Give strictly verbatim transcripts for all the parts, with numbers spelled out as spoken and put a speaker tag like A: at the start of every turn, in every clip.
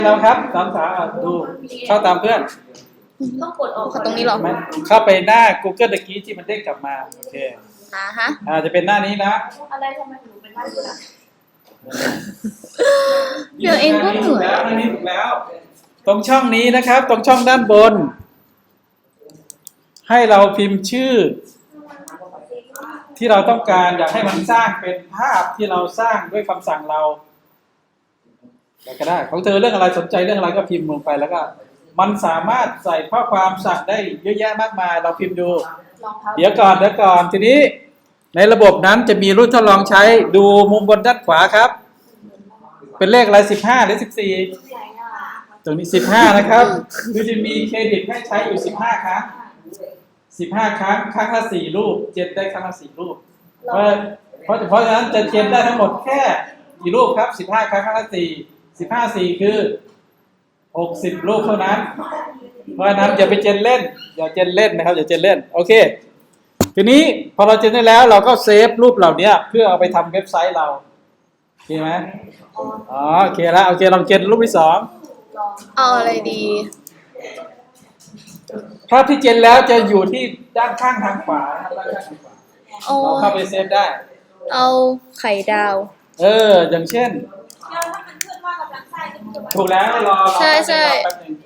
A: เราครับสามสาดูเข้าตามเพื่อน
B: ต้องกดออก
C: ตรงนี้หรอ
A: เข้าไปหน้า Google ตะกี้ที่มันเด้งกลับมาโอเค
C: อ่าฮะ
A: อ่าจะเป็นหน้านี้นะ
B: อะไรทำไมหนูเป็นหน้านี้ล่ะ
C: เดี๋ยวเองก็เหนื่อย
A: แล้วหน้านี้ถูกแล้วตรงช่องนี้นะครับตรงช่องด้านบนให้เราพิมพ์ชื่อที่เราต้องการอยากให้มันสร้างเป็นภาพที่เราสร้างด้วยคำสั่งเราอะไรก็ได้ของเธอเรื่องอะไรสนใจเรื่องอะไรก็พิมพ์ลงไปแล้วก็มันสามารถใส่ข้อความสั่งได้เยอะแยะมากมายเราพิมพ์ดูเดี๋ยวก่อนเดี๋ยวก่อนทีนี้ในระบบนั้นจะมีรุ่นทดลองใช้ดูมุมบนด้านขวาครับเป็นเลขอะไรสิบห้าหรือสิบสี่ตรงนี้สิบห้านะครับคือจะมีเครดิตให้ใช้อยู่สิบห้าครั้งสิบห้าครั้งครั้งละสี่รูปเจนได้ครั้งละสี่รูปเพราะเพราะเพราะฉะนั้นจะเจนได้ทั้งหมดแค่กี่รูปครับสิบห้าครั้งครั้งละสี่สิบห้าสี่คือหกสิบรูปเท่านั้นเพราะฉะนั้นอย่าไปเจนเล่นอย่าเจนเล่นนะครับอย่าเจนเล่นโอเคทีนี้พอเราเจนได้แล้วเราก็เซฟรูปเหล่านี้เพื่อเอาไปทำเว็บไซต์เราโอเคไหมอ๋อโอเคแล้วโอเคลองเจนรูปที่สอง
C: เอาอะไรดี
A: ภาพที่เจนแล้วจะอยู่ที่ด้านข้างทางขวาด้านข้างทางขวาเราเข้าไปเซฟได้
C: เอาไข่ดาว
A: เอออย่างเช่นถูกแล้วรอ
C: ใช่ใช่
A: แป๊บนึง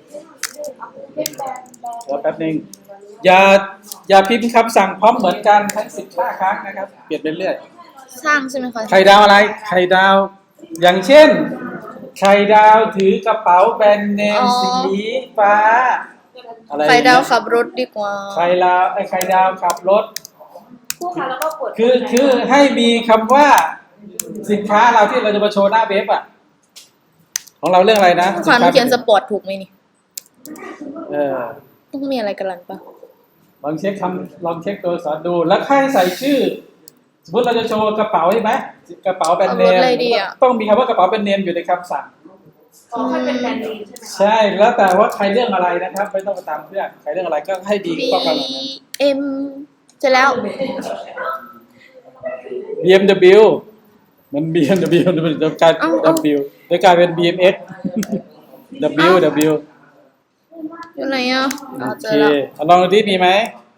A: รอแป๊บนึงอย่าอย่าพิมพ์คำสั่งพร้อมเหมือนกันทั้งสิบห้าครั้งนะครับเปลี่ยนไปเรื่อย
C: สร้างใช่ไหมคะ
A: ไข่ดาวอะไรไข่ดาวอย่างเช่นไข่ดาวถือกระเป๋าแบรนด์เนมสีฟ้า
C: อะไรไข่ดาวขับรถดีกว่า
A: ไข่ดาวไอ้ไข่ดาวขับรถ
B: คู่ค้าแล้วก็กด
A: คือคือให้มีคำว่าสินค้าเราที่เราจะมาโชว์หน้าเว็บอ่ะของเราเรื่องอะไรนะ
C: ขวัญเขียนสปอร์ตถูกไหมนี่
A: เออ
C: ต้องมีอะไรกันล่ะปะ
A: ลองเช็คคำลองเช็คตัวสอนดูแล้วให้ใส่ชื่อสมมติเราจะโชว์กระเป๋าใช่ไหมกระเป๋าแบรนด์เนมต้องมีคำว่ากระเป๋าแบรนด์เนมอยู่ในคำสั่ง
B: อ๋อให้เป็นแบรนด์เนมใช่ไหม
A: ใช่แล้วแต่ว่าใครเรื่องอะไรนะครับไม่ต้องไปตามเพื่อนใครเรื่องอะไรก็ให้ดีข้อความนั้น
C: เอ็มเสร็จแล้ว
A: บี เอ็ม ดับเบิลยู มัน บี เอ็ม ดับเบิลยู มันจะกลาย W จะกลายเป็น บี เอ็ม เอ็กซ์ W W
C: อยู่ไหนอ่ะ
A: โอเคลองดูดิมีไหม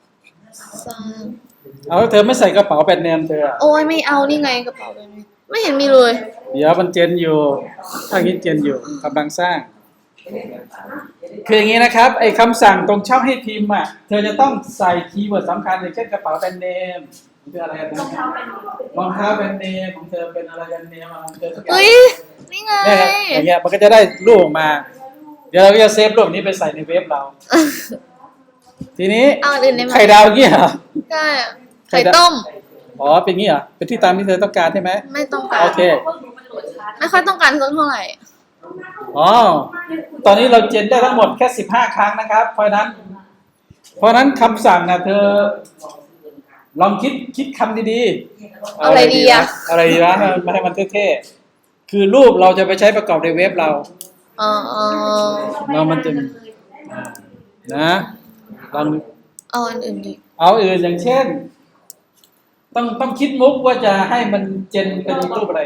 A: เอาเธอไม่ใส่กระเป๋าแบรนด์เนมเธอ
C: โอ้ยไม่เอานี่ไงกระเป๋าแบบนี้ไม่เห็นมีเลย
A: เดี๋ยวมันเจนอยู่ถ้าคิดเจนอยู่กำลังสร้างคืออย่างนี้นะครับไอ้คำสั่งตรงช่องให้พิมพ์อ่ะเธอจะต้องใส่คีย์เวิร์ดสำคัญอย่างเช่นกระเป๋าแบรนด์เนมคืออะไรนะรองเท้าแบรนด์เนมของเธอเป็นอะไรแบรนด์เนมของเธอสักอย่าง
C: อุ้ยนี่ไง
A: อย่างเงี้ยมันก็จะได้รูปออกมาเดี๋ยวเราก็จะเซฟรูปนี้ไปใส่ในเว็บเราทีนี้ไข่ดาวเงี้ยเหรอ
C: ใช่ไข่ต้ม
A: อ๋อเป็นงี้เหรอเป็นที่ตามที่เธอต้องการใช่ไหม
C: ไม่ต้องการ
A: โอเค
C: ไม่ค่อยต้องการสักเท่าไหร่
A: อ๋อตอนนี้เราเจนได้ทั้งหมดแค่สิบห้าครั้งนะครับเพราะนั้นเพราะนั้นคำสั่งนะเธอลองคิดคิดคำดี
C: ๆอะไรดีอะ
A: อะไรดีวะมาให้มันเท่ๆคือรูปเราจะไปใช้ประกอบในเว็บเรา
C: อ๋อ
A: เรามันจะนะลอง
C: เอาอันอื่นดิ
A: เอาอื่นอย่างเช่นต้องต้องคิดมุกว่าจะให้มันเจนเป็นรูปอะไร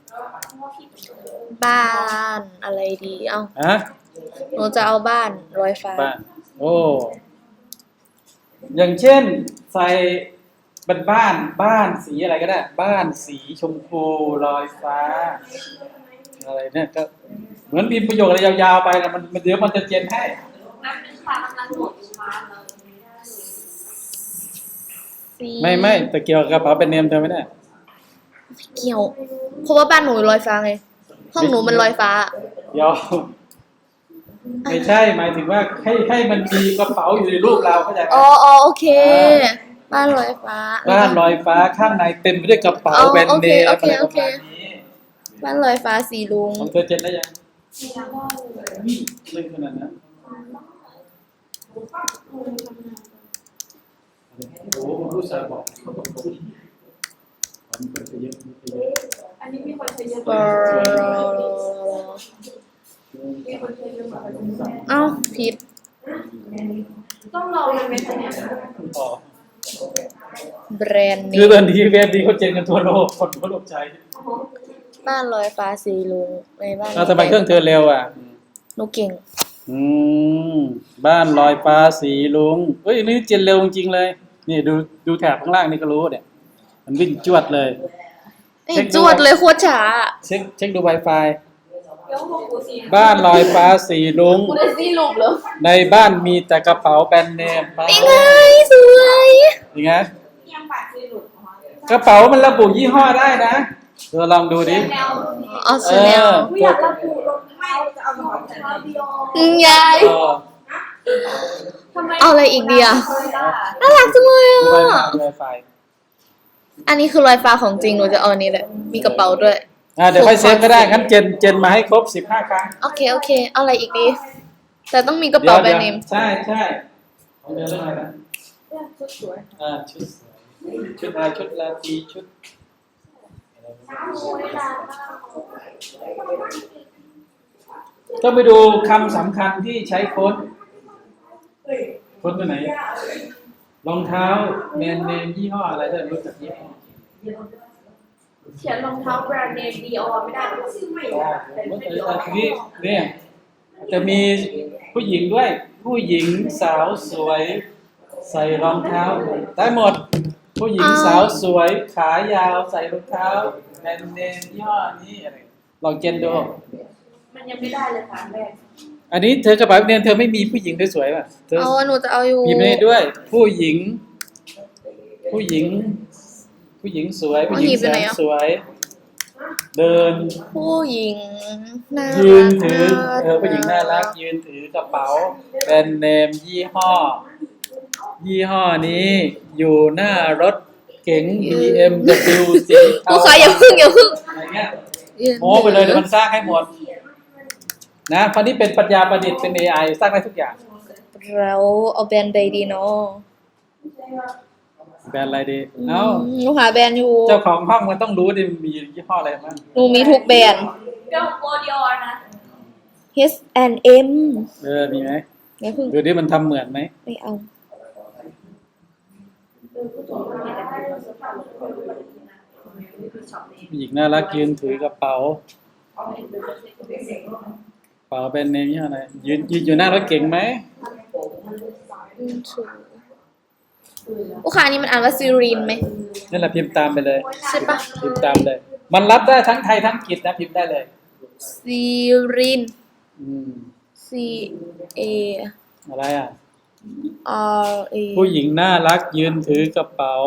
C: บ้านอะไรดีเอ้า
A: ฮะ
C: หนูจะเอาบ้านลอยฟ้า
A: บ้านโอ้อย่างเช่นใส่เป็นบ้านบ้านสีอะไรก็ได้บ้านสีชมพูลอยฟ้าอะไรเนี่ยก็เหมือนพิมพ์ประโยคอะไรยาวๆไปนะมันเดี๋ยวมันจะเจนให้ไม่ไม่แต่เกี่ยวกับกระเป๋าเป็นเนมเธอไม่ได้
C: เกี่ยวเพราะว่าบ้านหนูลอยฟ้าไงห้องหนูมันลอยฟ้า
A: เดี๋ยวไม่ใช่หมายถึงว่าให้ให้มันมีกระเป๋าอยู่ในรูปเราเข้าใจไหม
C: อ๋ออ๋อโอเคบ้านลอยฟ้า
A: บ้านลอยฟ้าข้างในเต็มไปด้วยกระเป๋าแบรนด์เนมอะไรประมาณนี้
C: บ้านลอยฟ้าสีลุง
A: ของเธอเจ็ดได้ยังเล่นขนาดนั้นโอ้โหผู้ชายบอก
B: อันนี้มีคนใช้เยอะ
C: เอ้าผิด
B: ต้องรอมันไม่ใช่เนี่ย
C: แบรนด์นี้
A: คือตอนนี้แบรนด์นี้เขาเจนกันทั่วโลกคนทั่วโลกใช้
C: บ้านลอยฟ้าสีลุงในบ้าน
A: ทำไมเครื่องเธอเร็วอ่ะ
C: หนูเก่ง
A: อืมบ้านลอยฟ้าสีลุงเฮ้ยนี่เจนเร็วจริงๆเลยนี่ดูดูแถบข้างล่างนี่ก็รู้เนี่ยมันวิ่งจวดเลย
C: เอ้ยจวดเลยโคตรช้า
A: เช็คเช็คดู Wi-Fi
B: เดี๋ยวพวกกูสิ
A: บ้านลอยฟ้าสีลุง
B: กูได้ซีรูปเหรอ
A: ในบ้านมีแต่กระเป๋าแบรนด์เนมไป
C: นี่ไงสวย
A: ยังไง
B: ยังปากซีรูปของ
A: กระเป๋ามันระบุยี่ห้อได้นะเธอลองดูดิ
B: แนว
C: อ๋อชาแนล
B: กูอยากระบุรองเท้าจะเอารองเท้าเดียว
C: อืมยาย
A: เออ
B: ทำไม
C: เอาอะไรอีกดีอะ น่ารักจังเลย
A: ดู
C: อ่ะ
A: Wi-Fi ดู Wi-Fi
C: อันนี้คือรอยฟ้าของจริงหนูจะเอาอันนี้แหละมีกระเป๋าด้วย
A: อ่าเดี๋ยวค่อยเซฟก็ได้งั้นเจนเจนมาให้ครบสิบห้าครั้ง
C: โอเคโอเคเอาอะไรอีกดี แต่ต้องมีกระเป๋าแบรนด์เนม
A: ใช่ใช่เดี๋ยวเรื่องอะไรนะ
B: ชุดสวย
A: อ่าชุดชุดอะไรชุดลาตรีชุดต้องไปดูคำสำคัญที่ใช้โค้ดโค้ดตัวไหนรองเท้าแบรนด์เนมยี่ห้ออะไรได้รู้จักยี่ห้อ
B: เขียนรองเท้าแบรนด์เนมดีออไม่ได้หรอกชื่อไม่
A: อ๋อ
B: ได้เป็น
A: เอ
B: เป็น
A: อทีนี้เนี่ยจะมีผู้หญิงด้วย ผู้หญิงสาวสวยใส่รองเท้าได้หมด ผู้หญิงสาวสวยขายาวใส่รองเท้าแบรนด์เนมยี่ห้อนี้อะไรลองเจนดู
B: มันยังไม่ได้เลยค่ะแม่
A: อันนี้เธอกระเป๋าเนียนเธอไม่มีผู้หญิงสวยๆป่ะเธอ
C: เอาหนูจะเอาอยู่
A: พิมพ์ให้ด้วย ผู้หญิง ผู้หญิง ผู้หญิงสวย ผู้หญิงแสนสวย เดิน
C: ผู้หญิงน่า
A: ยื
C: รั
A: น
C: ก
A: ถือเออผู้หญิงน่ารัก ยืนถือกระเป๋าแบรนด์เนมยี่ห้อ ยี่ห้อนี้ อยู่หน้ารถเก๋ง บี เอ็ม ดับเบิลยู สีเทา
C: ผู้ขายอย่าพึ่งอย่าพึ่ง
A: อะไรเงี้ยโม้ไปเลยเดี๋ยวมันสร้างให้หมด นะเพราะนี่เป็นปัญญาประดิษฐ์เป็น เอ ไอ สร้างได้ทุกอย่าง
C: แล้วเอาแบรนด์ใดดีเนาะ
A: แบรนด์อะไรดี เอ้า
C: อืมหนูหาแบรนด์อยู่
A: เจ้าของห้องมันต้องรู้ดิมันมียี่ห้ออะไรบ้าง
C: หนูมีทุกแบรนด์
B: เดี๋ยวโบดีออนะ
C: H and M
A: เออ มีไหม
C: อย่าพึ่ง
A: ดูดิมันทำเหมือนไหม
C: ไม่เอา
A: ผู้หญิงน่ารักยืนถือกระเป๋า กระเป๋าเป็นเนมยี่ห้ออะไรยืนยืนอยู่หน้ารถเก๋งไหม
C: ลูกค้านี่มันอ่านว่าซีรีนไหม
A: นั่นแหละพิมพ์ตามไปเลย
C: ใช่ปะ
A: พิมพ์ตามเลย มันรับได้ทั้งไทยทั้งอังกฤษนะพิมพ์ได้เลย
C: ซีรีน
A: อืม
C: C A
A: อะไรอ่ะ
C: R A
A: ผู้หญิงน่ารักยืนถือกระเป๋า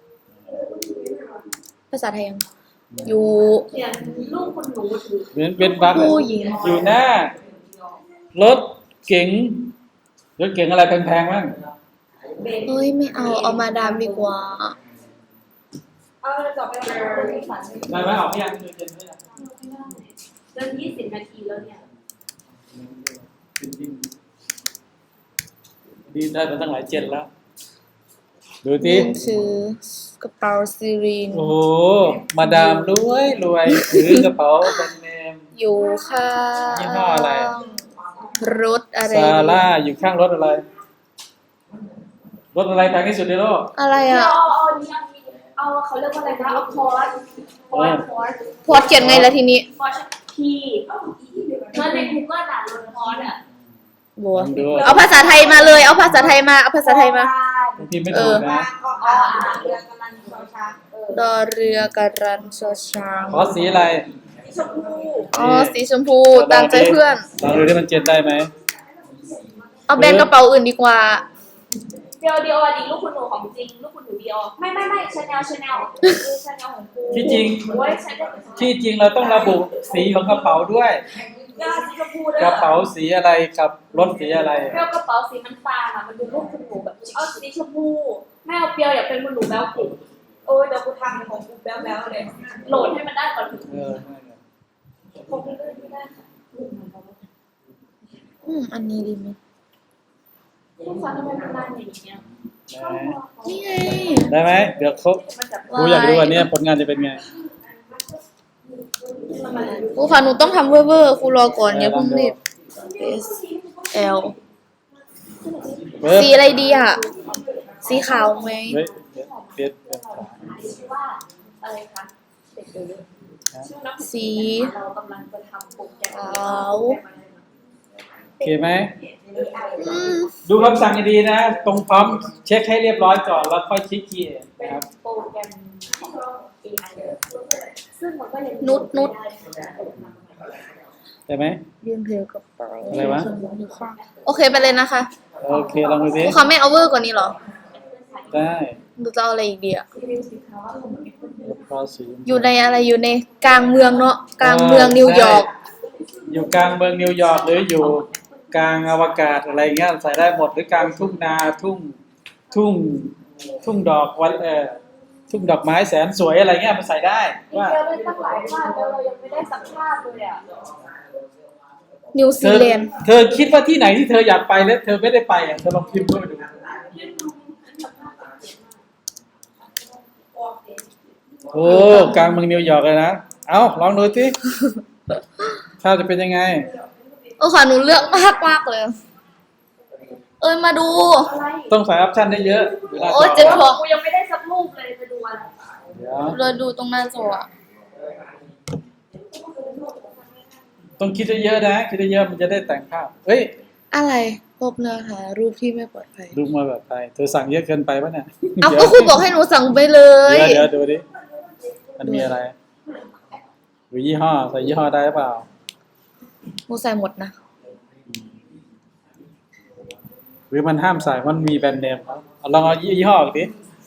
C: ภาษาไทยยังอยู่
B: เขียนรูปคุณหนูถือ
A: เหมือนเป็นบัก
C: ผู้หญิง
A: อยู่หน้ารถเก๋งรถเก๋งอะไรแพงๆบ้าง
C: เฮ้ยไม่เอาเอามาดามดีกว่า
B: เอาต่อไปเราจะคุยฝัน
A: ได้ไหมออกไม่ยังดูเจนไม่ยัง
B: เริ่มยี่สิบนาทีแล้วเนี่ย
A: ดีได้มาตั้งหลายเจนแล้ว ดู
C: ยื
A: ที่
C: นถือกระเป๋าซีรีน
A: โอ้โหมาดามรวยรวยถือกระเป๋าแบรนด์เนม
C: อยู่ข้าง
A: ยี่ห้ออะไร
C: รถอะไร
A: ซาร่าอยู่ข้างรถอะไร รถอะไรแพงที่สุดในโลก
C: อะไร
B: เอา
C: อ่ะ
B: เอาอันนี้เอาเขาเรียกว่าอะไรนะเอาคอร์สคอร์สคอร์ส
C: พอดเขียนไงล่ะทีนี้
B: คอร์สพีเมื่อใน Google อ่านรถคอร์สอ่ะ
C: บัว
A: ลองดู
C: เอาภาษาไทยมาเลย เอาภาษาไทยมา เอาภาษาไทยมา
A: พิมพ์ไม่ถูกนะ
B: อ๋ออ่านเรือกำลังชอช้างเออ
C: ดอเรือกระรันชอช้าง
A: ขอสีอะไร
B: ชมพู
C: อ๋อ สีชมพูตามใจเพื่อน
A: ลองดูที่มันเจนได้ไหม
C: เอาแบรนด์กระเป๋าอื่นดีกว่า
B: เดียวเดียวอันนี้ลูกคุณหนูของจริงลูกคุณหนูเดียวไม่ไม่ไม่ชาแนลชาแนลชาแนลของกู
A: ที่จริง
B: โอ้ยใช้ได้
A: ที่จริงเราต้องระบุสีของกระเป๋าด้วย
B: ยาสีชมพูเลย
A: กระเป๋าสีอะไรกับรถสีอะไร
B: เปรี้ยวกระเป๋าสีน้ำตาลอ่ะมันดูลูกคุณหนูแบบเอาสีชมพูแม่เอาเปรี้ยวอยากเป็นคุณหนูแบ๊วกูโอ้ยเดี๋ยวกูทำของกูแบ๊วแบ๊วเลยโหลดให้มันได้ก่อนถึง
A: เออนั่นแหละ
B: คงไม่ได้ค่ะ
C: อืม อันนี้ดีไหม
B: ลูกค้าทำไมมันนานอย่างเงี้ย
C: นี่ไง
A: ได้ไหมเดี๋ยวครบ
B: มันแบบ
A: กูอยากดูวันนี้ผลงานจะเป็นไง
C: ครูค่ะหนูต้องทำเวอร์ๆครูรอก่อนอย่าเพิ่งรีบ S L
A: เว็บ
C: สีอะไรดีอ่ะ สีขาวไหม
A: เฮ้ยเว็บเว็บ
B: ชื่อว่าอะไรคะเด็กเดี๋ยวชื่อน้ำ
C: สี
B: เรากำลังจะทำโปรแกรม
C: ขาว
A: เคไหม
C: อืม
A: ดูคำสั่งให้ดีนะ ตรงพร้อมเช็คให้เรียบร้อยก่อนแล้วค่อยคลิกคีย์
B: เป็น
A: นะครับ
B: โปรแกรม เอ ไอ ซึ่งมันก็ยัง
C: นุชนุช
A: ได้ไหม
C: ยืนถือกระเป๋า
A: อะไรวะ
C: โอเคไปเลยนะคะ
A: โอเคลองดูสิ
C: ครูเขาไม่เอาเวอร์กว่านี้เหรอ
A: ได้
C: ดูจะเอาอะไรอีกดีอะ
B: รีวิวสินค้าว่าผมมีคนเดียว
A: พอสี
C: อยู่ในอะไรอยู่ในกลางเมืองเนาะกลางเมืองนิวยอร์ก
A: อยู่กลางเมืองนิวยอร์กหรืออยู่กลางอวกาศอะไรเงี้ยใส่ได้หมดหรือกลางทุ่งนาทุ่งทุ่งทุ่งดอกวันเออทุ่งดอกไม้แสนสวยอะไรเงี้ยมันใส่ได้
B: มี
A: ว่า
B: เดียวได้ตั้งหลายภาพแล้วเรายังไม่ได้สักภาพเลยอ่ะ
C: นิว
A: เธ
C: ซี
A: อ
C: แลนด์
A: เธอคิดว่าที่ไหนที่เธออยากไปแล้วเธอไม่ได้ไปอ่ะเธอลองพิมพ์เข้าไปดูโอ้กลางเมืองนิวยอร์กเลยนะเอาลองดูสิภาพจะเป็นยังไง
C: เออค่ะหนูเลือกมากมากเลย เอ้ยมาดู
B: อะไร
A: ต้องใส่ออปชั่นได้เยอะเวลา
C: โอ้ยเจ็บ
A: จ
C: คอ
B: กูยังไม่ได้สักรูปเลยไปดูอะไร
A: เดี๋ยว
C: เราดูตรงหน้าจออะ
A: ต้องคิดเยอะๆนะคิดเยอะๆมันจะได้แต่งภาพเฮ้ย
C: อะไรพบเนื้อหารูปที่ไม่ปลอดภัย
A: ดูมาแบบไปเธอสั่งเยอะเกินไปปะเนี่ย
C: เอาก็ครูบอกให้หนูสั่งไปเลย
A: เดี๋ยวเดี๋ยวดูดิมันมีอะไรหรือยี่ห้อใส่ยี่ห้อได้หรือเปล่า
C: หนูใส่หมดนะ
A: หรือมันห้ามใส่มันมีแบรนด์เนมครับเอาลองเอายี่ห้ออีกดิ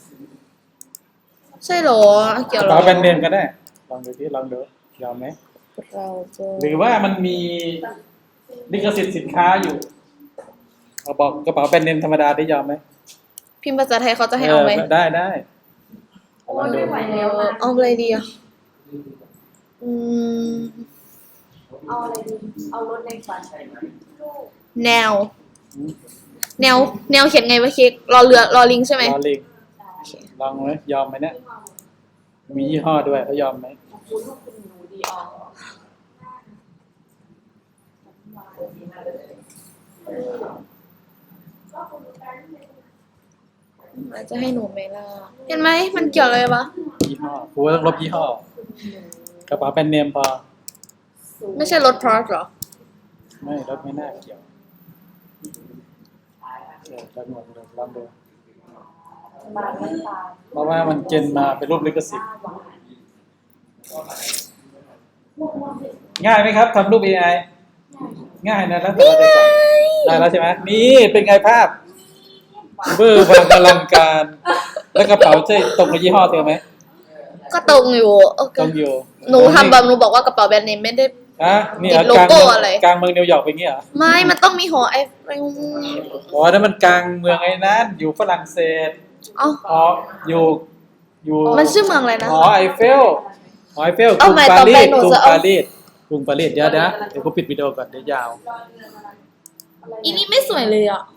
C: ใช่เหรอ เกี่ยว
A: ก
C: เห
A: ระ
C: รอ
A: เป๋าแบรนด์เนมก็ได้ลองดูดิลองดูยอมไหม
C: เราจะ
A: หรือว่ามันมีลิขสิทธิ์สินค้าอยู่เอาบอกกระเป๋าแบรนด์เนมธรรมดาได้ยอมไหม
C: พิมพ์ภาษาไทยเขาจะให้เอาไหม
A: ได้ได้
B: โอ้ยไม่ไหวแล้วนะ
C: เอาอะไรดีอ่ะอืม
B: เอาอะไรดีเอารถในฝัน
C: แนว แนว แนวเขียนไงวะเค้กรอเรือรอลิงใช่ไหม
A: รอลิงลองไหมยอมไหมเนี่ยมียี่ห้อด้วยเขายอมไหม
B: คุณลูกคุณหนูดีออก
C: อาจจะให้หนูไหมล่ะ เห็นไหมมันเกี่ยวอะไรวะ
A: ยี่ห้อกูต้องลบยี่ห้อกระเป๋าแบรนด์เนมพอ
C: ไม่ใช่รถพอร์ตหรอ
A: ไม่รถไม่น่าเกี่ยวเออลองดูลองดู
B: บางน้ำตา
A: เพราะว่ามันเจนมาเป็นรูปลิขสิทธิ์ง่ายไหมครับทำรูป เอ ไอ ง่ายนะแล้วแต่เราจะสั่งได้แล้วใช่ไหมนี่เป็นไงภาพเบอร์บางอลังการ แล้วกระเป๋าใช่ตรงกับยี่ห้อเธอไหม
C: ก็ตรงอยู่โอเค
A: ตรงอยู่
C: หนูทำแบบหนูบอกว่ากระเป๋าแบรนด์เนมไม่ได้
A: อ่ะนี่
C: ติด
A: กลาง
C: โลโก้
A: เมือง
C: อะไร
A: กลางเมืองนิวยอร์กเป็นอย่างงี้เหรอ
C: ไม่ มันต้องมีหอไอเฟล
A: อ๋อนั่นมันกลางเมืองไอ้นั้นอยู่ฝรั่งเศส
C: เอ้า
A: อ๋ออยู่อยู่
C: มันชื่อเมืองอะไรนะ
A: หอไอเฟลหอไอเฟลก
C: เอา
A: รุง
C: ใหม่
A: ปา
C: ต่อ
A: รี
C: ไป
A: ส
C: หนู
A: กรุง
C: จะเอา
A: ปารีสกรุงปารีสเดี๋ยวนะเดี๋ยวกูปิดวิดีโอก่อนเดี๋ยวยาว
C: อีนี่ไม่สวยเลยอ่ะ